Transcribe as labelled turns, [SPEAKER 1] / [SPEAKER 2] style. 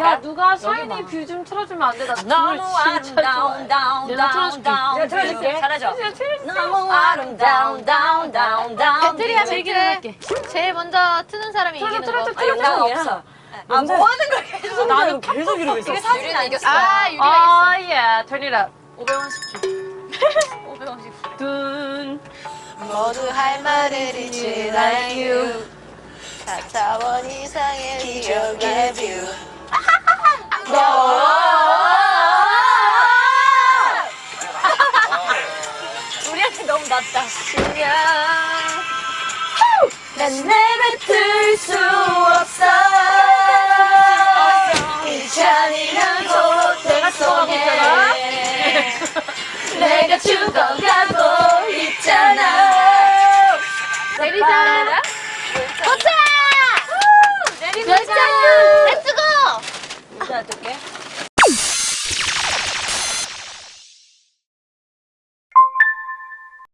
[SPEAKER 1] 야, 누가 샤이니 뷰 좀 틀어주면 안 돼? 나
[SPEAKER 2] 너무 아름다운 다운
[SPEAKER 1] 내가
[SPEAKER 2] 다운
[SPEAKER 1] 틀어줄게.
[SPEAKER 2] 다운
[SPEAKER 1] 내가 틀어줄게.
[SPEAKER 2] 잘하죠? 너무 아름다운 다운 다운 다운
[SPEAKER 3] 배틀이야 배틀. 제일 먼저 트는 사람이 이기는 거.
[SPEAKER 2] 난 없어. 아, 뭐 하는 거야 계속.
[SPEAKER 1] 나는 계속 이러고 있어.
[SPEAKER 2] 이게 사진 안 이겼어.
[SPEAKER 3] 아 유리가
[SPEAKER 1] 아, 예. turn it up. 550주.
[SPEAKER 3] 있어. 550.
[SPEAKER 1] 둔.
[SPEAKER 3] 모두 할 말을 잊지 like you. 4차원 이상의 기적의 뷰.
[SPEAKER 2] 우리한테 너무 낮다.
[SPEAKER 3] 난 내뱉을 수 없어. 이 잔인한
[SPEAKER 1] 내가 죽어가고 있잖아.
[SPEAKER 3] 내가 죽어가고 있잖아. 내리자. 도착!
[SPEAKER 2] 내리자.
[SPEAKER 3] 렛츠고!
[SPEAKER 2] 인사 어떡해?